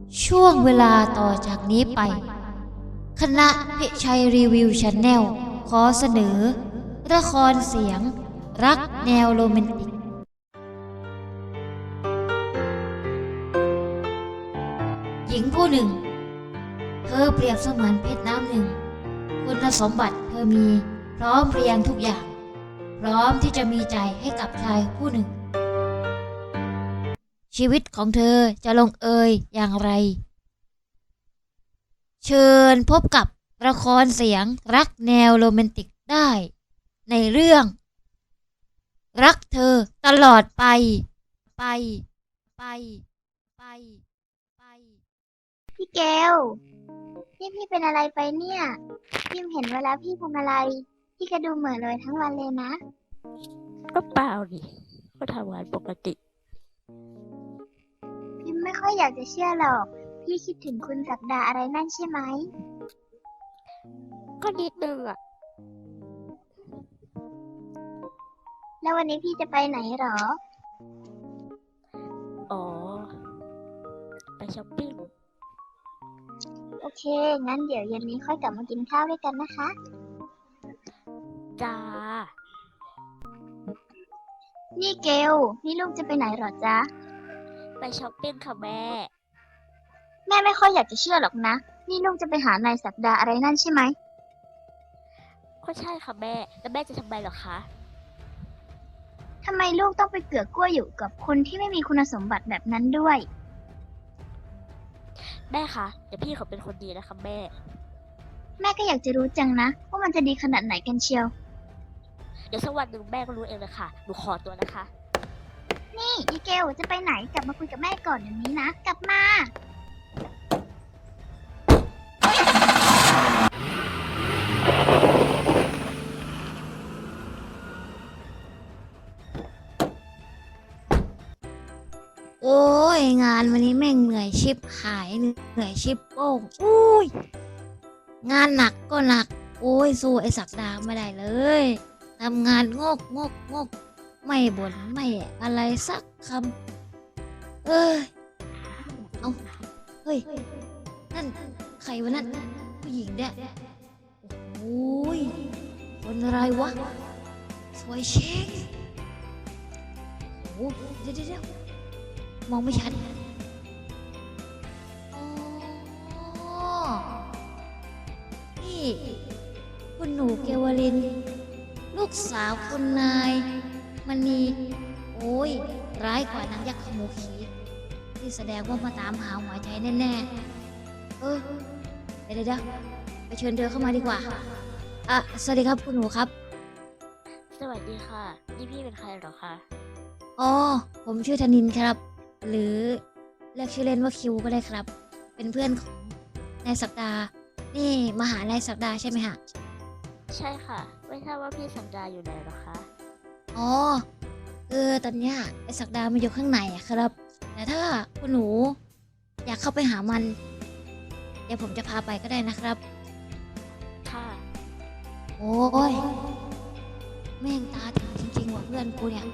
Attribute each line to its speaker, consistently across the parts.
Speaker 1: ช่วงเวลาต่อจากนี้ไปคณะพิชัยรีวิวชาแนลขอเสนอละครเสียงรักแนวโรแมนติกหญิงผู้หนึ่งเธอเปรียบเสมือนเพชรน้ำหนึ่งคุณสมบัติเธอมีพร้อมเพรียงทุกอย่างพร้อมที่จะมีใจให้กับชายผู้หนึ่งชีวิตของเธอจะลงเอยอย่างไรเชิญพบกับละครเสียงรักแนวโรแมนติกได้ในเรื่องรักเธอตลอดไปไปไปไปไป
Speaker 2: พี่เกลนี่พี่เป็นอะไรไปเนี่ยพิมเห็นเวลาพี่ทำอะไรพี่ก็ดูเหม่อลอยทั้งวันเลยนะ
Speaker 3: ก็เปล่าดิก็ทำงานปกติ
Speaker 2: พิมไม่ค่อยอยากจะเชื่อหรอกพี่คิดถึงคุณศักดาอะไรนั่นใช่ไหม
Speaker 3: ก็นิดนึงอ่ะ
Speaker 2: แล้ววันนี้พี่จะไปไหนหรอ
Speaker 3: อ๋อไปช้อปปิ้ง
Speaker 2: โอเคงั้นเดี๋ยวเย็นนี้ค่อยกลับมากินข้าวด้วยกันนะคะ
Speaker 3: จ้า
Speaker 2: นี่เกลนี่ลูกจะไปไหนหรอจ๊ะ
Speaker 3: ไปช้อปปิ้งค่ะแม่
Speaker 2: ไม่ค่อยอยากจะเชื่อหรอกนะนี่ลูกจะไปหานายศักดาอะไรนั่นใช่ไหม
Speaker 3: ก็ใช่ค่ะแม่แล้วแม่จะทำไมเหรอคะ
Speaker 2: ทำไมลูกต้องไปเกือกกลั้วอยู่กับคนที่ไม่มีคุณสมบัติแบบนั้นด้วย
Speaker 3: แม่คะเดี๋ยวพี่เขาเป็นคนดีนะคะแม่
Speaker 2: แม่ก็อยากจะรู้จังนะว่ามันจะดีขนาดไหนกันเชียว
Speaker 3: เดี๋ยวสักวันหนึ่งแม่ก็รู้เองเลยค่ะหนูขอตัวนะคะ
Speaker 2: นี่อีเกลจะไปไหนกลับมาคุยกับแม่ก่อนเดี๋ยวนี้นะกลับมา
Speaker 1: โอ้ยงานวันนี้แม่งเหนื่อยชิบหายเหนื่อยชิบโป้งอุ้ยงานหนักก็หนักโอ้ยสู้ไอ้ศักดาไม่ได้เลยทำงานงกไม่บ่นไม่อะไรสักคำเอ้ยเอาเฮ้ยนั่นใครวะนั่นผู้หญิงเนี่ยโอ้ยคนอะไรวะสวยเช็คโอ้เดี๋ยวมองไม่ชัดอ๋อนี่คุณหนูเกวลินลูกสาวคุณนายมันมีโอ้ยร้ายกว่านางยักษ์ขโมยขีที่แสดงว่ามาตามหาหัวใจแน่ๆเดี๋ยวไปเชิญเธอเข้ามาดีกว่าสวัสดีครับคุณหนูครับ
Speaker 3: สวัสดีค่ะนี่พี่เป็นใครเหรอคะ
Speaker 1: อ๋อผมชื่อธนินครับหรือเรียกชื่อเล่นว่าคิวก็ได้ครับ เป็นเพื่อนของนายศักดานี่มาหานายศักดาใช่ไหมฮะ
Speaker 3: ใช่ค่ะไม่ทราบว่าพี่สัญญาอยู่ไหนเหรอคะ
Speaker 1: อ๋อตอนเนี้ยไอ้ศักดามันอยู่ข้างในอะครับแต่ถ้าคุณหนูอยากเข้าไปหามันเดี๋ยวผมจะพาไปก็ได้นะครับ
Speaker 3: ค่ะ
Speaker 1: โอ้ยแม่งตาถึงจริงๆว่ะเพื่อนกูเนี่ย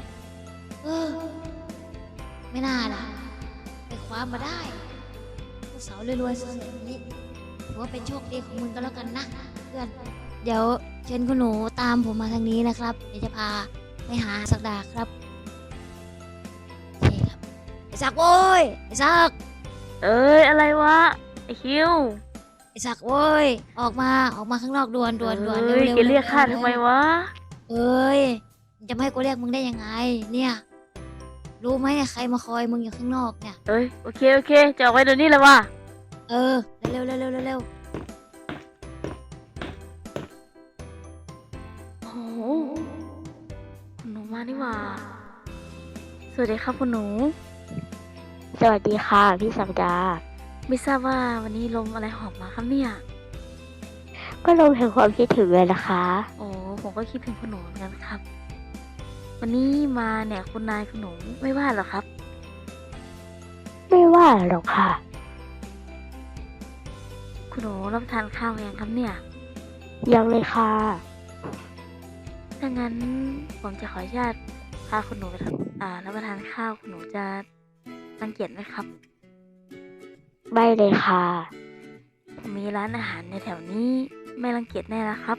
Speaker 1: ไม่น่าล่ะไปคว้ามาได้ลูกสาวรวยๆสวยๆแบบนี้ถือว่าเป็นโชคดีของมึงก็แล้วกันนะเพื่อนเดี๋ยวเชิญคุณหนูตามผมมาทางนี้นะครับเดี๋ยวจะพาไปหาศักดาครับโอเคครับไอ้ศักดิ์โว้ยไอ้ศักดิ์
Speaker 3: เอ้ยอะไรวะไอคิว
Speaker 1: ไอ้ศักดิ์โว้ยออกมาข้างนอกด่วนเร็ว
Speaker 3: แกเรียกข้าทำไมวะ
Speaker 1: เอ้ยจะไม่ให้กูเรียกมึงได้ยังไงเนี่ยรู้ไหมเนี่ยใครมาคอยมึงอยู่ข้างนอกเนี่ย
Speaker 3: เอ้ยโอเคจะออกไปเดี๋ยวนี้เลยวะ
Speaker 1: เร็ว
Speaker 3: โอ้โหคุณหนูมานี่หว่าสวัสดีครับคุณหนูสวัสดีค่ะพี่สักดาไม่ทราบว่าวันนี้ลมอะไรหอบมาครับเนี่ยก็ลมแห่งความคิดถึงเลยนะคะโอ้ผมก็คิดถึงคุณหนูเหมือนกันครับวันนี้มาเนี่ยคุณนายคุณหนูไม่ว่าหรอครับไม่ว่าหรอกค่ะคุณหนูรับทานข้าวยังครับเนี่ยยังเลยค่ะถ้างั้นผมจะขออนุญาตพาคุณหนูไปรับประทานข้าวคุณหนูจะรังเกียจไหมครับไม่เลยค่ะมีร้านอาหารในแถวนี้ไม่รังเกียจแน่นะครับ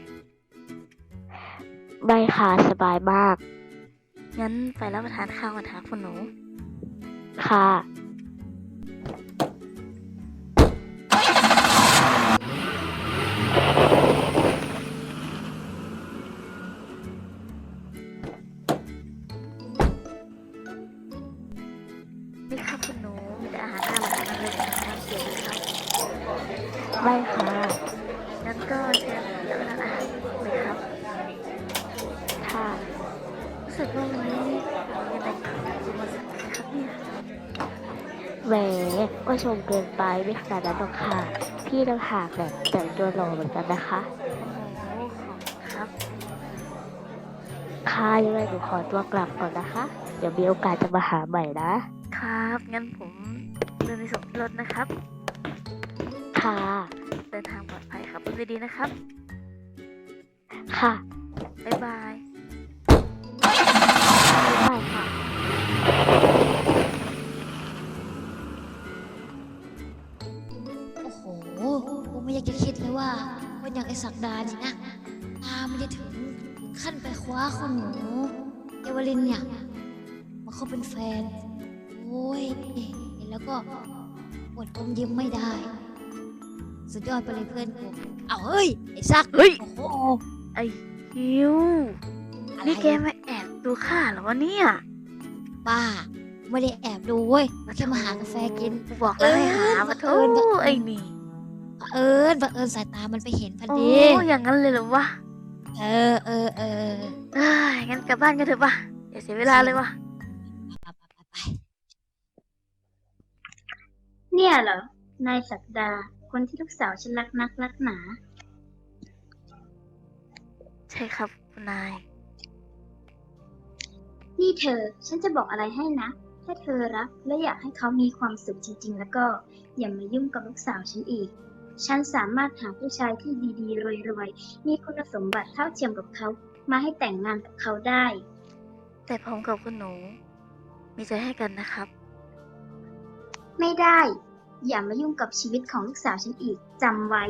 Speaker 3: ไม่ค่ะสบายมากงั้นไปรับประทานข้าวกันค่ะคุณหนูค่ะนี่ครับคุณหนูมีแต่อาหารน่ารักทั้งนั้นเลยนะครับเดี๋ยวครับไม่ค่ะงั้นก็เชิญรับประทานอาหารเลยครับค่ะรู้สึกว่าวันนี้มีอะไรขัดจะมาสั่งนะครับเนี่ยแหมก็ชมเกินไปไม่ขนาดนั้นหรอกค่ะพี่ต่างหากแบบแต่งตัวหล่อเหมือนกันนะคะโอ้โหขอบคุณครับค่ะยังไงหนูขอตัวกลับก่อนนะคะ เดี๋ยวมีโอกาสจะมาหาใหม่นะครับงั้นผมเดินไปส่งที่รถนะครับค่ะเดินทางปลอดภัยครับดูดีๆนะครับค่ะบ๊ายบายบ๊ายบายค่ะ
Speaker 1: โอ้โหกูไม่อยากจะคิดเลยว่าคนอย่างไอ้ศักดานี่นะตามไม่ได้ถึงขั้นไปคว้าคนหนูเอวลินเนี่ยมาเขาเป็นแฟน โอ้ยเห็นแล้วก็อดอมยิ้มไม่ได้ สุดยอดไปเลยเพื่อนกูเอาเฮ้ย ไอ้ซัก
Speaker 3: เฮ้ย
Speaker 1: โอ้โห
Speaker 3: ไอ้คิว
Speaker 1: อะไร
Speaker 3: นี่แกมาแอบดูข้าเหรอวะเนี่ย
Speaker 1: บ้า ไม่ได้แอบดูเว้ยแค่มาหากาแฟกิน
Speaker 3: กูบอกแล้วให้หามาโทษไอ้นี่
Speaker 1: บังเอิญสายตามันไปเห็นพอ
Speaker 3: โอ้
Speaker 1: ดี
Speaker 3: อย่างนั้นเลยเหรอวะ
Speaker 1: เออ
Speaker 3: เอ้ยงั้นกลับบ้านกันเถอะปะอย่าเสียเวลาเลยวะ
Speaker 1: ไป
Speaker 2: เนี่ยเหรอ นายศักดา คนที่ลูกสาวฉันรักนักรักหนา
Speaker 3: ใช่ครับคุณนาย
Speaker 2: นี่เธอ ฉันจะบอกอะไรให้นะ ถ้าเธอรักและอยากให้เขามีความสุขจริงๆ แล้วก็อย่ามายุ่งกับลูกสาวฉันอีก ฉันสามารถหาผู้ชายที่ดีๆ รวยๆ มีคุณสมบัติเท่าเทียมกับเขา มาให้แต่งงานกับเขาได้
Speaker 3: แต่ผมกับคุณหนู มีใจให้กันนะครับ
Speaker 2: ไม่ได้ อย่ามายุ่งกับชีวิตของลูกสาวฉันอีก จำไว้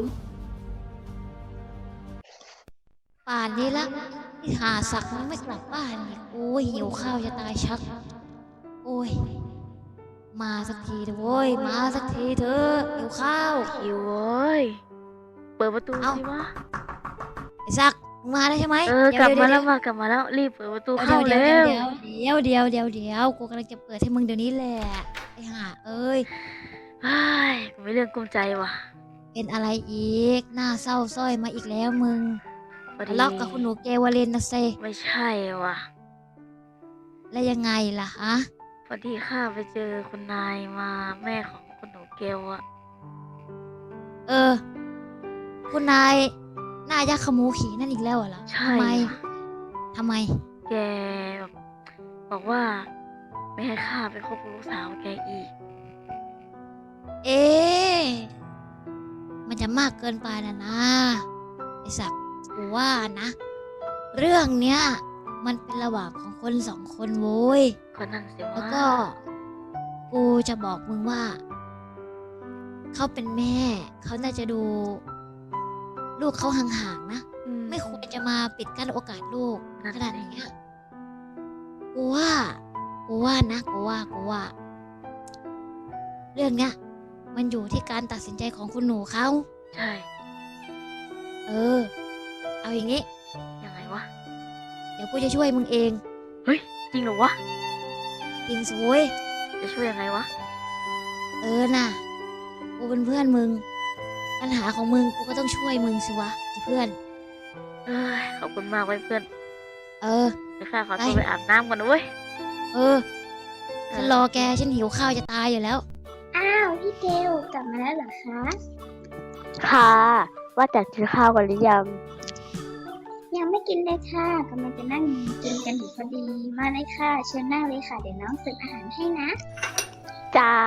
Speaker 1: ป่านนี้ละที่หาสักมันไม่กลับบ้านอีกโอ้ยหิวข้าวจะตายชัก โอ้ย มาสักทีเถอะโว้ย มาสักทีเถอะหิวข้าว
Speaker 3: คิวเว้ย เปิดประตู
Speaker 1: เอ้า
Speaker 3: สิวะ
Speaker 1: ไอ้ซักมึงมาได้ใช่ไหม
Speaker 3: กลับมา
Speaker 1: เดี๋
Speaker 3: แล้
Speaker 1: ยว
Speaker 3: มากลับมาแล้ว รีบเปิดประตู
Speaker 1: เดี๋
Speaker 3: เข้า
Speaker 1: ยวเดี๋ยว
Speaker 3: เร็ว
Speaker 1: เดี๋ยวกูกำลังจะเปิดให้มึงเดี๋ยวนี้แหละไอ้ห่าเอ้ย
Speaker 3: เฮ้ยกูไม่เรื่องกลุ้มใจว่ะ
Speaker 1: เป็นอะไรอีก หน้าเศร้าสร้อยมาอีกแล้วมึง
Speaker 3: พอดี
Speaker 1: ทะเลาะกับคุณหนูเกวาเลนนะเซ
Speaker 3: ไม่ใช่ว่ะ
Speaker 1: แล้วยังไงล่ะฮะ
Speaker 3: พอดีข้าไปเจอคุณนายมาแม่ของคุณหนูเกลอะ
Speaker 1: เออ คุณนายหน้ายักษ์ขมูขี่นั่นอีกแล้วเหรอ
Speaker 3: ใช่
Speaker 1: ทำไม
Speaker 3: ว่ะ
Speaker 1: ทำไม
Speaker 3: แกแบบบอกว่า ไม่ให้ข้าไปคบกับลูกสาวแกอีก
Speaker 1: เอ๊ะมันจะมากเกินไปนะไอศักดิ์กูว่านะ เรื่องเนี้ย มันเป็นระหว่างของคนสองคนโว้ย
Speaker 3: ก็นั่นสิ
Speaker 1: แล้ว
Speaker 3: ว่า
Speaker 1: ก็ กูจะบอกมึงว่า เขาเป็นแม่ เขาน่าจะดู ลูกเขาห่างๆนะ ไม่ควรจะมาปิดกั้นโอกาสลูกขนาดนี้อะกูว่านะ กูว่า เรื่องเนี้ย มันอยู่ที่การตัดสินใจของคุณหนูเขา
Speaker 3: ใช่
Speaker 1: เออ เอาอย่างงี้
Speaker 3: ยังไงวะ
Speaker 1: เดี๋ยวกูจะช่วยมึงเอง
Speaker 3: เฮ้ย จริงเหรอวะ
Speaker 1: จริงสวย
Speaker 3: จะช่วยยังไงวะ
Speaker 1: เออน่ะ กูเป็นเพื่อนมึง ปัญหาของมึงกูก็ต้องช่วยมึงสิวะเพื่อน
Speaker 3: เอ้ย ขอบคุณมากไว้ยเพื่อน
Speaker 1: เออ
Speaker 3: เดี๋ยวข้าขอตัวไปอาบน้ำก่อนนะเว้ย
Speaker 1: เออ ฉันรอแก ฉันหิวข้าวจะตายอยู่แล้ว
Speaker 2: อ้าว พี่เกลกลับมาแล้วเหรอคะ
Speaker 3: ค่ะ ว่าแต่กินข้าวกันหรือยัง
Speaker 2: ยังไม่กินเลยค่ะกำลังจะนั่งกินกันอยู่พอดี มาเลยค่ะ เชิญนั่งเลยค่ะ เดี๋ยวน้องเสิร์ฟอาหารให้นะ
Speaker 3: จ้า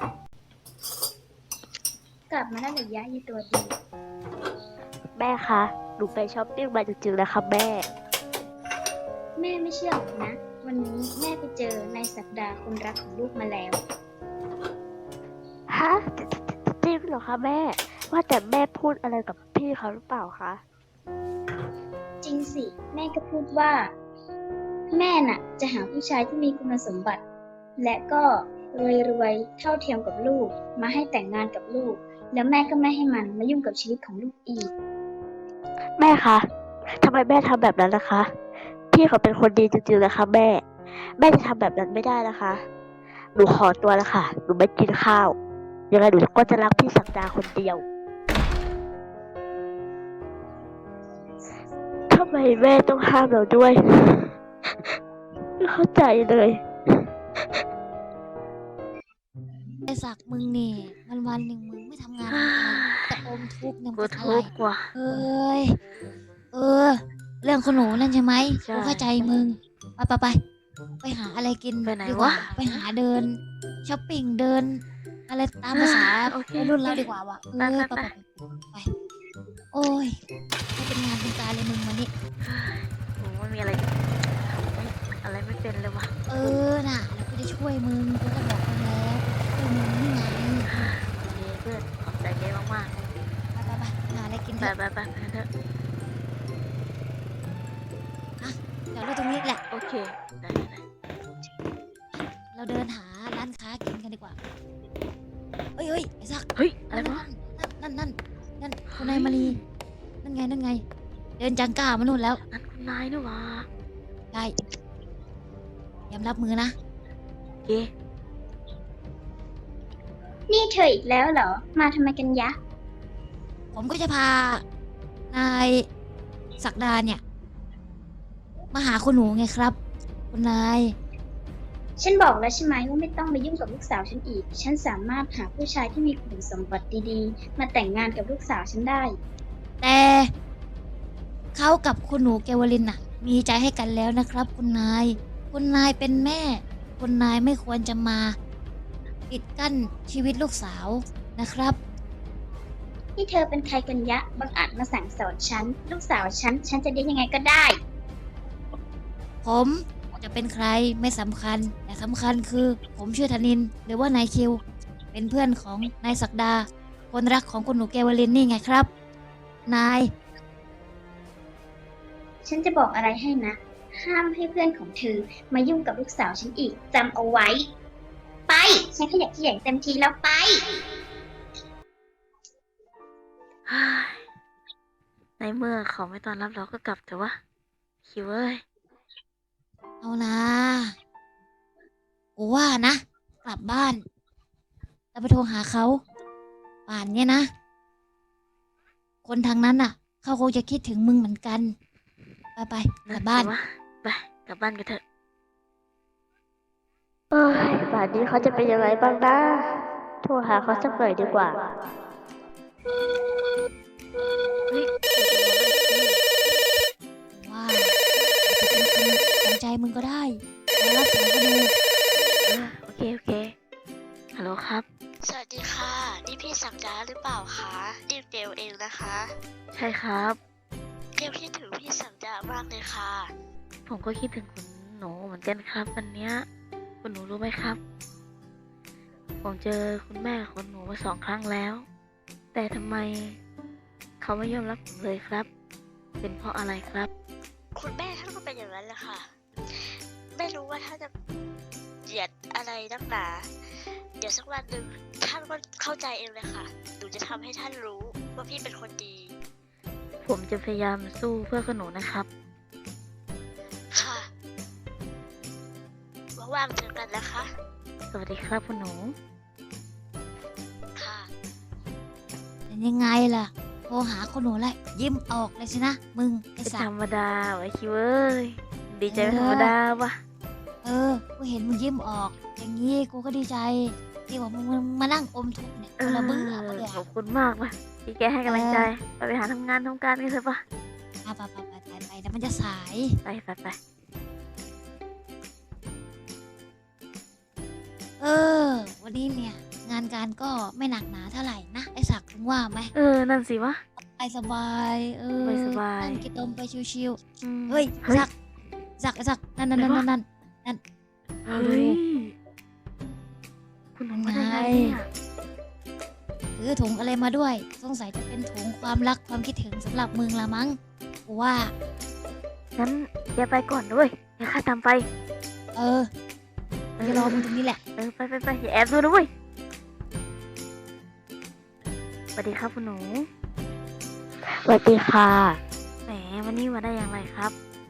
Speaker 2: กลับมาแล้วเหรอยะยีตัวดี
Speaker 3: แม่คะ หนูไปช้อปปิ้งมาจริงๆนะคะแม่
Speaker 2: แม่ไม่เชื่อหรอกนะ วันนี้แม่ไปเจอนายศักดาคนรักของลูกมาแล้ว
Speaker 3: ฮะคะแม่ ว่าแต่แม่พูดอะไรกับพี่เขาหรือเปล่าคะ
Speaker 2: จริงสิ แม่ก็พูดว่า แม่น่ะ จะหาผู้ชายที่มีคุณสมบัติ และก็รวยๆเท่าเทียมกับลูก มาให้แต่งงานกับลูก แล้วแม่ก็ไม่ให้มันมายุ่งกับชีวิตของลูกอีก
Speaker 3: แม่คะทำไมแม่ทำแบบนั้นนะคะ พี่เขาเป็นคนดีจริงๆนะคะแม่ แม่จะทำแบบนั้นไม่ได้นะคะ หนูขอตัวแล้วค่ะ หนูไม่กินข้าว ยังไงหนูก็จะรักพี่ศักดาคนเดียว ทำไมแม่ต้องห้ามเราด้วย ไม่เข้าใจเลย
Speaker 1: ไอศักดิ์มึงนี่วันหนึ่งมึงไม่ทำงานทำการแต่อมทุกข์เนี่ย
Speaker 3: กู
Speaker 1: มันอะไร
Speaker 3: ทุกข์ว่ะ
Speaker 1: เอ้ย เรื่องคนหนูนั่นใช่ไหม
Speaker 3: ใช่
Speaker 1: กูเข้าใจมึง ไปหาอะไรกิน
Speaker 3: ไปไหน
Speaker 1: ดีกว่า
Speaker 3: วะ
Speaker 1: ไปหาเดินช้อปปิ้งเดิน อะไรตามภาษา
Speaker 3: โอเค
Speaker 1: วัยรุ่นเราดีกว่าว่ะ
Speaker 3: ไปไปไป
Speaker 1: ไป โอ้ยไม่เป็นงานเป็นการเลยมึงวันนี้
Speaker 3: โอ้ไม่มีอะไรทำไม่อะไรไม่เป็นเลยว่ะ
Speaker 1: น่ะ แล้วกูจะช่วยมึง กูจะบอกมึงแล้วกูจะช่วยมึงนี่ไง
Speaker 3: โอเคเพื่อนขอบใจแกมาก
Speaker 1: ไปหาอะไรกิน
Speaker 3: ๆ
Speaker 1: เถ
Speaker 3: ไป
Speaker 1: อะ
Speaker 3: ไปเถอะ
Speaker 1: เดี๋ยวเราตรงนี้แหละ
Speaker 3: โอเค ได้
Speaker 1: เราเดินหาร้านค้ากินกันดีกว่า เฮ้ยไอ้ซัก
Speaker 3: เฮ้ย อะไรวะ
Speaker 1: นั่นคุณนายมารีนั่นไง เดินจังก้ามานู่นแล้ว
Speaker 3: นั่นคุณนายนี่หว่า
Speaker 1: ได้ยำรับมือนะ
Speaker 3: โอเค
Speaker 2: นี่เธออีกแล้วเหรอ มาทำไมกันยะ
Speaker 1: ผมก็จะพานายศักดาเนี่ย มาหาคุณหนูไงครับ คุณนาย
Speaker 2: ฉันบอกแล้วใช่ไหมว่าไม่ต้องมายุ่งกับลูกสาวฉันอีก ฉันสามารถหาผู้ชายที่มีคุณสมบัติดีๆ มาแต่งงานกับลูกสาวฉันได้
Speaker 1: แต่เขากับคุณหนูเกวลินน่ะ มีใจให้กันแล้วนะครับ คุณนาย คุณนายเป็นแม่ คุณนายไม่ควรจะมาปิดกั้นชีวิตลูกสาวนะครับ
Speaker 2: นี่เธอเป็นใครกันยะบังอาจมาสั่งสอนฉัน ลูกสาวฉันจะได้ยังไงก็ได้
Speaker 1: ผมจะเป็นใครไม่สำคัญ แต่สำคัญคือผมชื่อธนิน หรือว่านายคิว เป็นเพื่อนของนายศักดา คนรักของคุณหนูเกวลินนี่ไงครับ นาย
Speaker 2: ฉันจะบอกอะไรให้นะ ห้ามให้เพื่อนของเธอมายุ่งกับลูกสาวฉันอีกจำเอาไว้ ไป ฉันขยักขยงเต็มทีแล้วไป
Speaker 3: ในเมื่อเขาไม่ต้อนรับเราก็กลับเถอะวะ คิวเอ้ย
Speaker 1: เอานะกูว่านะ กลับบ้านแล้วไปโทรหาเขา ป่านเนี้ยนะ คนทางนั้นน่ะ เขาคงจะคิดถึงมึงเหมือนกัน ไปกลับบ้าน
Speaker 3: วะไปกลับบ้านกันเถอะเอ้ยป่านนี้เขาจะเป็นยังไงบ้างนะ โทรหาเขาสักหน่อยดีกว่า เฮ้ย
Speaker 1: ว่าอาจจะเป็นคนสนใจมึงก็ได้แล้วรับสายก็ดู
Speaker 3: โอเค ฮัลโหลครับ
Speaker 4: สวัสดีค่ะ นี่พี่สักดาหรือเปล่าคะดิวเดลเองนะคะ
Speaker 3: ใช่ครับ
Speaker 4: เดลคิดถึงพี่สักดามากเลยค่ะ
Speaker 3: ผมก็คิดถึงคุณหนูเหมือนกันครับวันเนี้ยคุณหนูรู้ไหมครับ ผมเจอคุณแม่ของหนูมา2 ครั้งแล้ว แต่ทำไมเขาไม่ยอมรับผมเลยครับ เป็นเพราะอะไรครับ
Speaker 4: คุณแม่ท่านก็เป็นอย่างนั้นแหละค่ะ ไม่รู้ว่าท่านจะเหยียดอะไรนักหนา เดี๋ยวสักวันหนึ่งท่านก็เข้าใจเองเลยค่ะ หนูจะทำให้ท่านรู้ว่าพี่เป็นคนดี
Speaker 3: ผมจะพยายามสู้เพื่อคุณหนูนะครับ
Speaker 4: ค่ะว่างๆเจอกันนะคะ
Speaker 3: สวัสดีครับคุณหนู
Speaker 4: ค่ะ
Speaker 1: เป็นยังไงล่ะ โทรหาคนหนูแล้วยิ้มออกเลยสินะ มึงไอ้
Speaker 3: เป็น
Speaker 1: สั
Speaker 3: ธ
Speaker 1: ก
Speaker 3: รรมดาไว้คิวเอ้ย ดีใจเป็นธรรมดาวะ
Speaker 1: กูเห็นมึงยิ้มออก อย่างนี้กูก็ดีใจที่ว่ามึงมานั่งอมทุกข์เนี่ยคนละมึงอ่ะมึง
Speaker 3: ขอบคุณมากว่ะที่แกให้กำลังใจ ไปหาทำงานทำการกันเถอะปะ
Speaker 1: ไปแล้วมันจะสาย
Speaker 3: ไป
Speaker 1: วันนี้เนี่ย งานการก็ไม่หนักหนาเท่าไหร่นะไอ้ศักดิ์มึงว่าไหม
Speaker 3: นั่นสิวะ
Speaker 1: ไปสบาย
Speaker 3: สบาย
Speaker 1: นั่งกินลมไปชิว
Speaker 3: อืม
Speaker 1: ๆเฮ้ยศักดิ์นั่น
Speaker 3: ไหนวะ
Speaker 1: ดู
Speaker 3: เฮ้ยคุณหนูมาได้ไงเนี่ย
Speaker 1: คถือถุงอะไรมาด้วยสงสัยจะเป็นถุงความรักความคิดถึงสำหรับมึงละมั้งกูว่า
Speaker 3: งั้นแกไปก่อนด้วยเดี๋ยวข้าตามไป
Speaker 1: เออกูจะรอมึงตรงนี้แหละ
Speaker 3: ไปอย่าแอบดูนะเว้ยสวัสดีครับคุณหนูสวัสดีค่ะแหมวันนี้มาได้อย่างไรครับ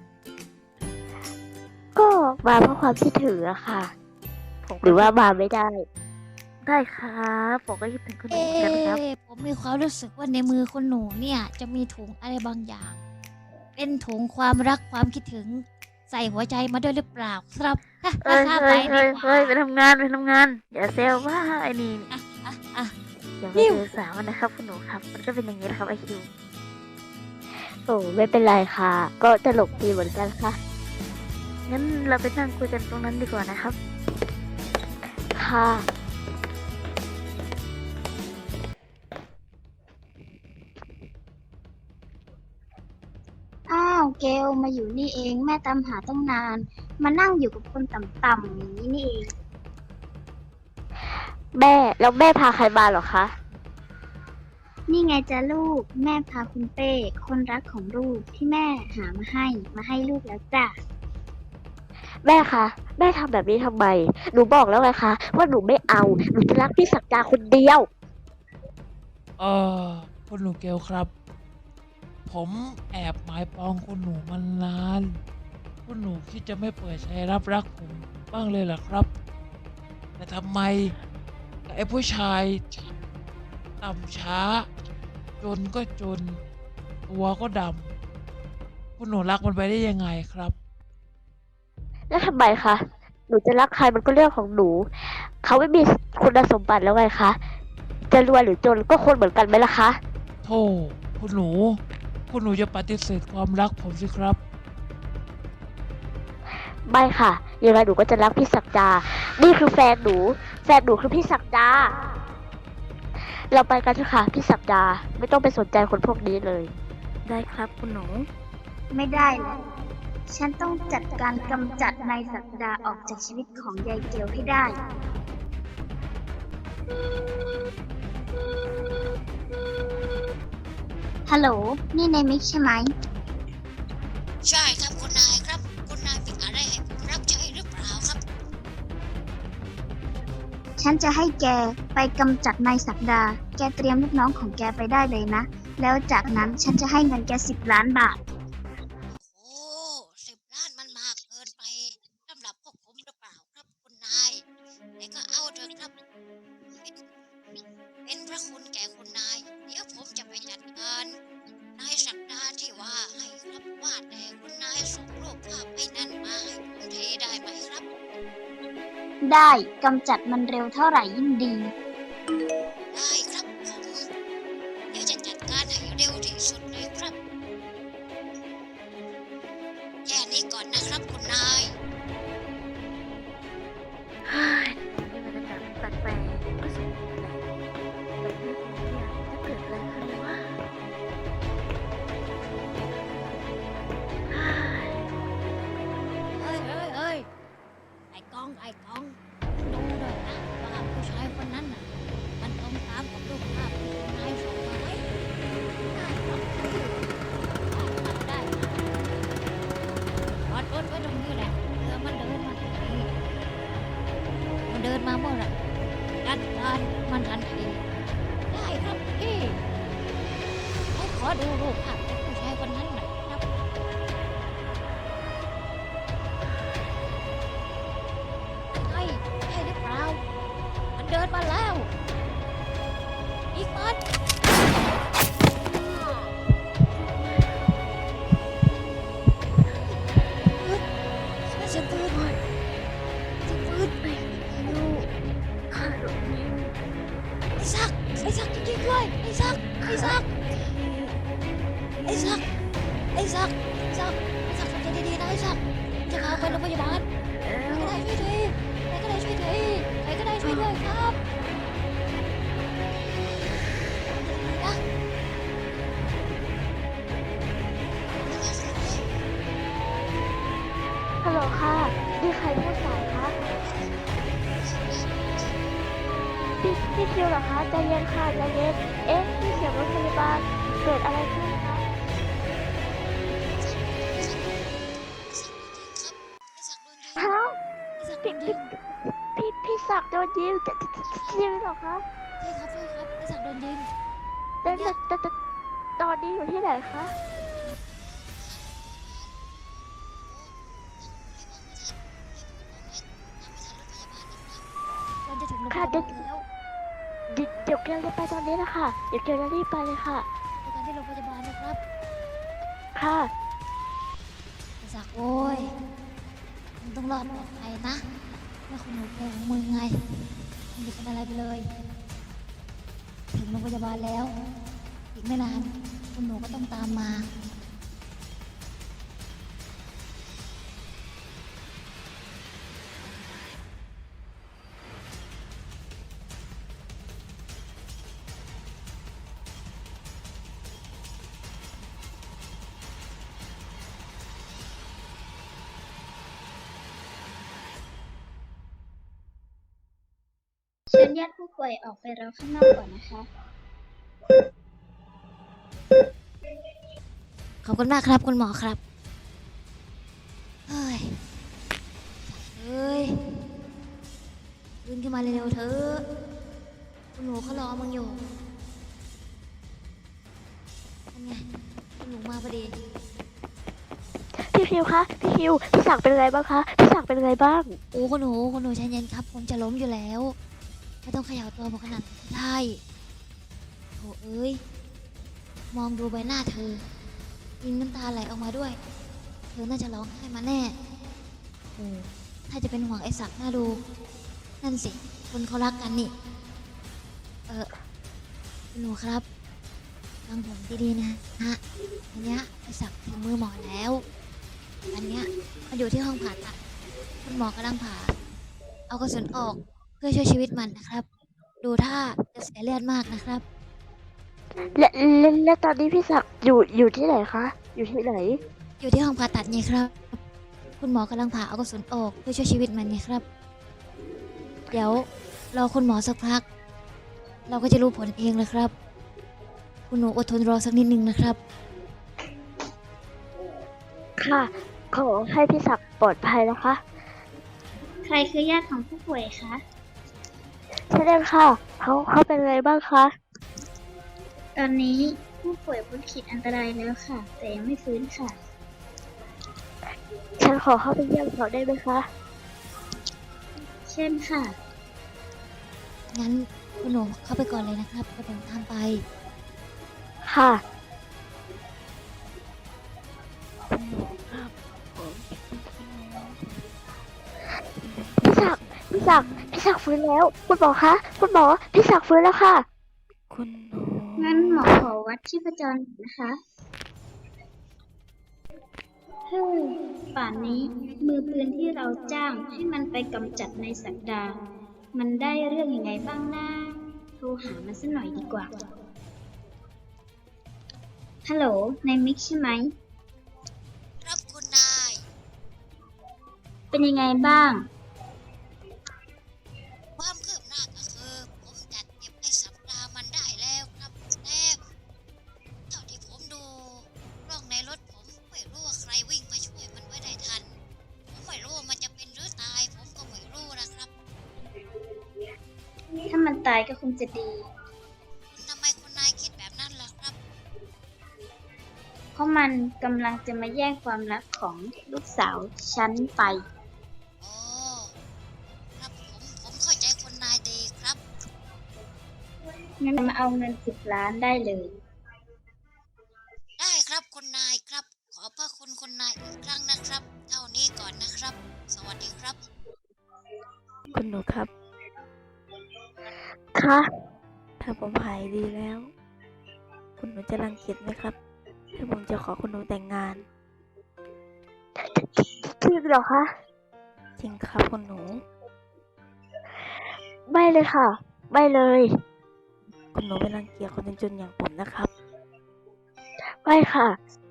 Speaker 3: ก็มาเพราะความคิดถึงอะค่ะหรือว่ามาไม่ได้ ได้ครับผมก็คิดถึงคุณหนู
Speaker 1: เอ๊
Speaker 3: เหมือนกันครับ
Speaker 1: ะผมมีความรู้สึกว่าในมือคนหนูเนี่ยจะมีถุงอะไรบางอย่าง เป็นถุงความรักความคิดถึงใส่หัวใจมาด้วยหรือเปล่าครับ
Speaker 3: เฮ้ย
Speaker 1: ข้า
Speaker 3: เฮ้
Speaker 1: ไป
Speaker 3: ย
Speaker 1: ดี
Speaker 3: เฮ้ย
Speaker 1: กว่า
Speaker 3: ไปทำงานอย่าเซลว่าไอ้นี่
Speaker 1: อ่ะ
Speaker 3: อย่าไป
Speaker 1: นิ่ว
Speaker 3: ถือสามันนะครับคุณหนูครับ มันก็เป็นอย่างนี้นะครับไอคิวโอ้ไม่เป็นไรค่ะ ก็ตลกดีเหมือนกันค่ะ งั้นเราไปนั่งคุยกันตรงนั้นดีกว่านะครับ ค่ะ
Speaker 2: อ้าวเกลมาอยู่นี่เองแม่ตามหาตั้งนาน มานั่งอยู่กับคนต่ำๆอย่างนี้นี่เอง
Speaker 3: แม่แล้วแม่พาใครมาเหรอคะ
Speaker 2: นี่ไงจ้ะลูก แม่พาคุณเป้คนรักของลูกที่แม่หามาให้ลูกแล้วจ้ะ
Speaker 3: แม่คะแม่ทำแบบนี้ทำไม หนูบอกแล้วไงคะว่าหนูไม่เอา หนูจะรักพี่ศักดาคนเดียว
Speaker 5: เออคุณหนูเกลครับ ผมแอบหมายปองคุณหนูมานาน คุณหนูคิดจะไม่เปิดใจรับรักผมบ้างเลยเหรอครับ แต่ทำไมไอ้ผู้ชายต่ำช้า จนก็จน ตัวก็ดำคุณหนูรักมันไปได้ยังไงครับ
Speaker 3: แล้วทำไมคะ หนูจะรักใครมันก็เรื่องของหนู เขาไม่มีคุณสมบัติแล้วไงคะ จะรวยหรือจนก็คนเหมือนกันไหมล่ะคะ
Speaker 5: โธ่คุณหนูจะปฏิเสธความรักผมสิครับ
Speaker 3: ไม่ค่ะ ยังไงหนูก็จะรักพี่ศักดา นี่คือแฟนหนูคือพี่ศักดา เราไปกันเถอะค่ะพี่ศักดา ไม่ต้องไปสนใจคนพวกนี้เลย ได้ครับคุณหนู
Speaker 2: ไม่ได้แล้วฉันต้องจัดการกำจัดนายศักดาออกจากชีวิตของยายเกลให้ได้ ฮัลโหล นี่นายมิกใช่ไหม
Speaker 1: ใช่ครับคุณนายครับ คุณนายมีอะไรให้ผมรับใช้หรือเปล่าครับ
Speaker 2: ฉันจะให้แกไปกำจัดนายศักดา แกเตรียมลูกน้องของแกไปได้เลยนะ แล้วจากนั้นฉันจะให้เงินแก10 ล้านบาท
Speaker 1: โอ้10 ล้านมันมากเกินไปสำหรับพวกผมหรือเปล่าครับคุณนายแต่ก็เอาเถอะครับ เป็นพระคุณแก่คุณนาย เดี๋ยวผมจะไปจัดการนายศักดาที่ว่าให้ครับว่าแต่คุณนายส่งรูปภาพไอ้นั่นมาให้ผมทีได้ไหมครับ
Speaker 2: ได้กำจัดมันเร็วเท่าไหร่ยิ่งดี
Speaker 1: ได้ครับผมเดี๋ยวจะจัดการให้เร็วที่สุดเลยครับแค่นี้ก่อนนะครับคุณนาย
Speaker 3: เฮ้ยนี่บรรยากาศมันแปลกๆรู้สึกแปลกๆแบบนี้เนี่ยจะเกิดอะไรขึ้นวะเฮ้ย
Speaker 1: เฮ้ยไอ้กองดูหน่อยนะว่าผู้ชายคนนั้นน่ะมันตรงตามกับรูปภาพที่คุณนายส่งมาไหมได้ครับได้รถไว้ตรงนี้แหละเดี๋ยวมันเดินมาทีมันเดินมาเมื่อไหร่จัดการมันทันทีได้ครับพี่ให้ขอดูรูปภาพของผู้ชายคนนั้นหน่อยครับใช่หรือเปล่ามันเดินมาแล้วอีกมันฉันตื่น
Speaker 3: ข้าหลงยิง
Speaker 1: ไอ้ซักจริงๆด้วยไอ้ซักทำใจดีๆนะไอ้ซักจะพาไปโรงพยาบาล
Speaker 3: แล้ว
Speaker 1: ใครก็ได้ช่วยทีใครก็ได้ช่วยด้วยครับนะ
Speaker 3: ฮัลโหลค่ะนี่ใครพูดสายคะพี่คิวเหรอคะใจเย็นค่ะใจเย็นเอ๊ะพี่เสียงรถพยาบาลเกิดอะไรขึ้นคะ
Speaker 1: ไอ้ศักดิ์โดนยิง
Speaker 3: ฮะ
Speaker 1: ไอ้ศักดิ์โดนยิง
Speaker 3: พี่ศักดิ์โดนยิงจะยิงเหรอคะ
Speaker 1: ใช่ครับใช่ครับไอ้ศักดิ์โดนยิง
Speaker 3: แต่ตอนนี้อยู่ที่ไหนคะ
Speaker 1: ตอนจะถึงโรงพ
Speaker 3: ค่ะ
Speaker 1: ยาบาลแล้ว
Speaker 3: เดี๋ยวเกลจะไปตอนนี้นะคะเดี๋ยวเกลจะรีบไปเลยค่ะ
Speaker 1: เจอกันที่โรงพยาบาลนะครับ
Speaker 3: ค่ะ
Speaker 1: ไอ้ศักดิ์โอ้ยมึงต้องรอดปลอดภัยนะไม่คุณหนูแกของมึงไงมึงจะเป็นอะไรไปเลย ถึงโรงพยาบาลแล้ว อีกไม่นานคุณหนูก็ต้องตามมา
Speaker 2: เชิญญาติผู้ป่วยออกไปรอข้างนอกก่อนนะคะ
Speaker 1: ขอบคุณมากครับคุณหมอครับ เฮ้ยตื่นขึ้นมาเร็วๆเถอะคุณหนูเขารอมึงอยู่นั่นไงคุณหนูมาพอดี
Speaker 3: พี่คิวคะพี่คิวพี่ศักดิ์เป็นอะไรบ้างคะพี่ศักดิ์เป็นอะไรบ้าง
Speaker 1: โอ้คุณหนูใจเย็นครับ ผมจะล้มอยู่แล้ว ไม่ต้องเขย่าตัวผมขนาดนั้นก็ได้โถเอ้ย มองดูใบหน้าเธอยิงน้ำตาไหลออกมาด้วย เธอน่าจะร้องไห้มาแน่โอ้ถ้าจะเป็นห่วงไอ้ศักดิ์น่าดู นั่นสิคนเขารักกันนี่ คุณหนูครับฟังผมดีๆนะฮะอันเนี้ยไอ้ศักดิ์ถึงมือหมอแล้ว อันเนี้ยมันอยู่ที่ห้องผ่าตัดคุณหมอกำลังผ่า เอากระสุนออกเพื่อช่วยชีวิตมันนะครับ ดูท่าจะเสียเลือดมากนะครับ
Speaker 3: และตอนนี้พี่ศักดิ์อยู่ที่ไหนคะอยู่ที่ไหน
Speaker 1: อยู่ที่ห้องผ่าตัดไงครับ คุณหมอกำลังผ่าเอากระสุนออกเพื่อช่วยชีวิตมันไงครับ เดี๋ยวรอคุณหมอสักพัก เราก็จะรู้ผลเองเลยครับ คุณหนูอดทนรอสักนิดนึงนะครับ
Speaker 3: ค่ะ ขอให้พี่ศักดิ์ปลอดภัยนะคะ
Speaker 2: ใครคือญาติของผู้ป่วยคะ
Speaker 3: ใช่เลยค่ะเขาเป็นอะไรบ้างคะ
Speaker 2: ตอนนี้ผู้ป่วยพ้นขีดอันตรายแล้วค่ะ แต่ยังไม่ฟื้นค่ะ
Speaker 3: ฉันขอเข้าไปเยี่ยมเขาได้ไหมคะ
Speaker 2: เช่นค่ะ
Speaker 1: งั้นคุณหนูเข้าไปก่อนเลยนะครับเดี๋ยวผมตามไป
Speaker 3: ค่ะ พี่ศักดิ์ฟื้นแล้ว คุณหมอคะ คุณหมอ พี่ศักดิ์ฟื้นแล้วค่ะ
Speaker 5: คุณหนู
Speaker 2: งั้นหมอขอวัดชีพจรหน่อยนะคะเฮ้ยป่านนี้มือปืนที่เราจ้างให้มันไปกำจัดในายศักดา มันได้เรื่องยังไงบ้างนะโทรหามันสักหน่อยดีกว่า ฮัลโหลนายมิกใช่ไหม
Speaker 1: ครับคุณนาย
Speaker 2: เป็นยังไงบ้าง
Speaker 1: ความคืบหน้าก็คือผมจัดเก็บไอ้สัปดาห์มันได้แล้วครับแต่เท่าที่ผมดูกล้องในรถผมไม่รู้ว่าใครวิ่งมาช่วยมันไว้ได้ทัน ผมไม่รู้ว่ามันจะเป็นหรือตาย ผมก็ไม่รู้นะครับ
Speaker 2: ถ้ามันตายก็คงจะดี
Speaker 1: ทำไมคุณนายคิดแบบนั้นล่ะครับ
Speaker 2: เพราะมันกำลังจะมาแย่งความรักของลูกสาวฉันไป
Speaker 1: โอ้ครับผมเข้าใจคุณนายดีครับ
Speaker 2: งั้นมาเอาเงิน10 ล้านได้เลย
Speaker 1: ได้ครับคุณนายครับ ขอบพระคุณคุณนายอีกครั้งนะครับ เท่านี้ก่อนนะครับ สวัสดีครับ
Speaker 3: คุณหนูครับ ค่ะ ถ้าผมหายดีแล้ว คุณหนูจะรังเกียจไหมครับ ถ้าผมจะขอคุณหนูแต่งงาน จริงเหรอคะ จริงครับคุณหนู ไม่เลยค่ะ ไม่เลย คุณหนูไม่รังเกียจคนจนๆอย่างผมนะครับ ไม่ค่ะ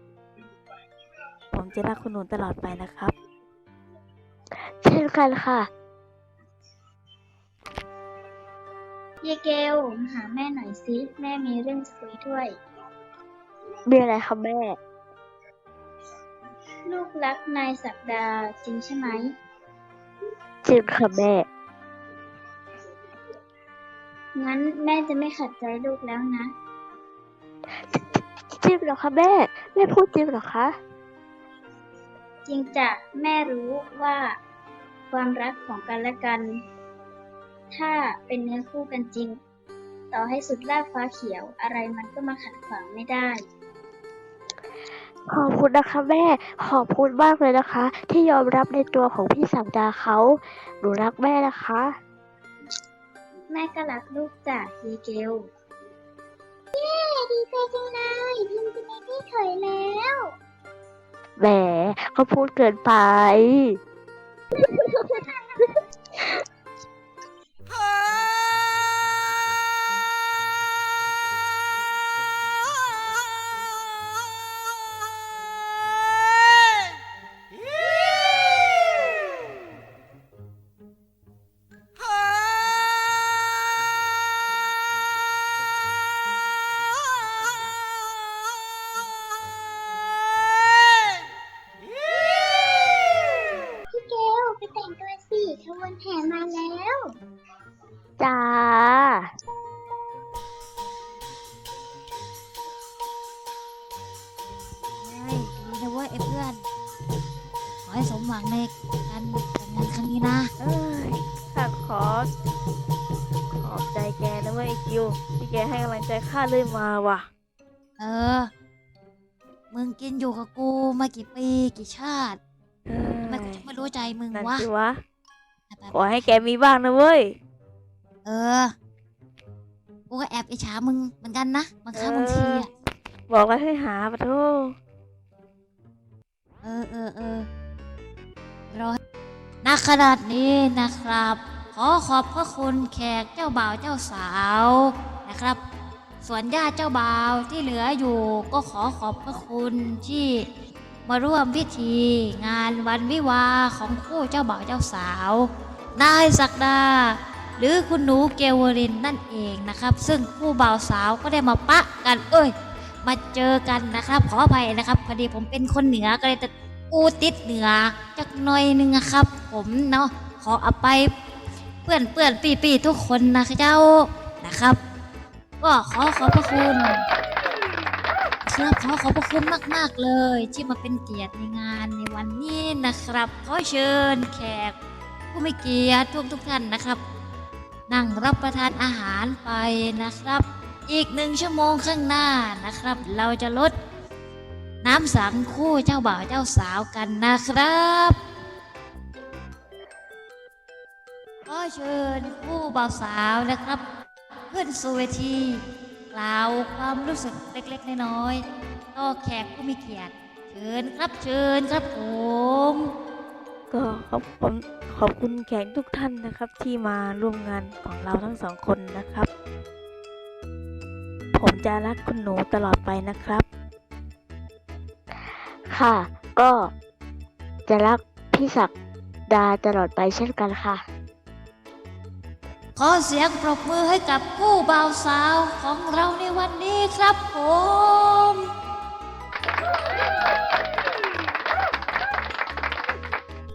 Speaker 3: ผมจะรักคุณหนูตลอดไปนะครับ เช่นกันค่ะ
Speaker 2: เยเกลมาหาแม่หน่อยสิ แม่มีเรื่องจะคุยด้วย
Speaker 3: มีอะไรคะแม่
Speaker 2: ลูกรักนายศักดาจริงใช่ไหม
Speaker 3: จริงค่ะแม่
Speaker 2: งั้นแม่จะไม่ขัดใจลูกแล้วนะ
Speaker 3: จริงเหรอคะแม่ แม่พูดจริงเหรอคะ
Speaker 2: จริงจ้ะแม่รู้ว่าความรักของกันและกัน ถ้าเป็นเนื้อคู่กันจริง ต่อให้สุดลากฟ้าเขียวอะไรมันก็มาขัดขวางไม่ได้
Speaker 3: ขอบคุณนะคะแม่ ขอบคุณมากเลยนะคะ ที่ยอมรับในตัวของพี่ศักดาเขา หนูรักแม่นะคะ
Speaker 2: แม่ก็รักลูกจ้ะเยเกล เย้ดีใจจังเลยพิมจะมีพี่เขยแล้ว
Speaker 3: แหมเขาพูดเกินไป
Speaker 2: พี่เกลไปแต่งตัวสิขบวนแห่มาแล้ว
Speaker 3: จ้า
Speaker 1: เฮ้ยดีนะเว้ยไอ้เพื่อน ขอให้สมหวังในการแต่งงานครั้งนี้นะ
Speaker 3: เอ้ยข้าขอบใจแกนะเว้ยไอ้คิว ที่แกให้กำลังใจข้าเลยมาว่ะ
Speaker 1: เออ มึงกินอยู่กับกูมากี่ปีกี่ชาติทำไมกูจะไม่รู้ใจมึง
Speaker 3: นั่น
Speaker 1: วะ
Speaker 3: สิวะ
Speaker 1: ไป
Speaker 3: ขอให้แกมีบ้างนะเว้ย
Speaker 1: เออ กูก็แอบอิจฉามึงเหมือนกันนะบางครั้งบางทีอะ
Speaker 3: บอกแล้วให้หาปะโท
Speaker 1: รอณขนาดนี้นะครับ ขอขอบพระคุณแขกเจ้าบ่าวเจ้าสาวนะครับ ส่วนญาติเจ้าบ่าวที่เหลืออยู่ก็ขอขอบพระคุณที่มาร่วมพิธีงานวันวิวาห์ของคู่เจ้าบ่าวเจ้าสาวนายศักดา หรือคุณหนูเกวรินนั่นเองนะครับ ซึ่งคู่บ่าวสาวก็ได้มาปะกันมาเจอกันนะครับ ขออภัยนะครับพอดีผมเป็นคนเหนือก็เลยจะอูติดเหนือจักหน่อยนึงนะครับ ผมเนาะขออภัยเพื่อนปีทุกคนนะเจ้านะครับ ก็ขอขอบพระคุณครับขอขอบพระคุณมากๆเลย ที่มาเป็นเกียรติในงานในวันนี้นะครับ ขอเชิญแขกผู้มีเกียรติทุกท่านนะครับ นั่งรับประทานอาหารไปนะครับ อีก1 ชั่วโมงข้างหน้านะครับ เราจะลดน้ำสังคู่เจ้าบ่าวเจ้าสาวกันนะครับขอเชิญคู่บ่าวสาวนะครับขึ้นสู่เวทีกล่าวความรู้สึกเล็กๆน้อยๆต่อแขกผู้มีเกียรติเชิญครับผม
Speaker 3: ก็ขอบคุณแขกทุกท่านนะครับ ที่มาร่วมงานของเราทั้งสองคนนะครับ ผมจะรักคุณหนูตลอดไปนะครับ ค่ะ ก็จะรักพี่ศักดาตลอดไปเช่นกันค่ะ
Speaker 1: ขอเสียงปรบมือให้กับคู่บ่าวสาวของเราในวันนี้ครับผม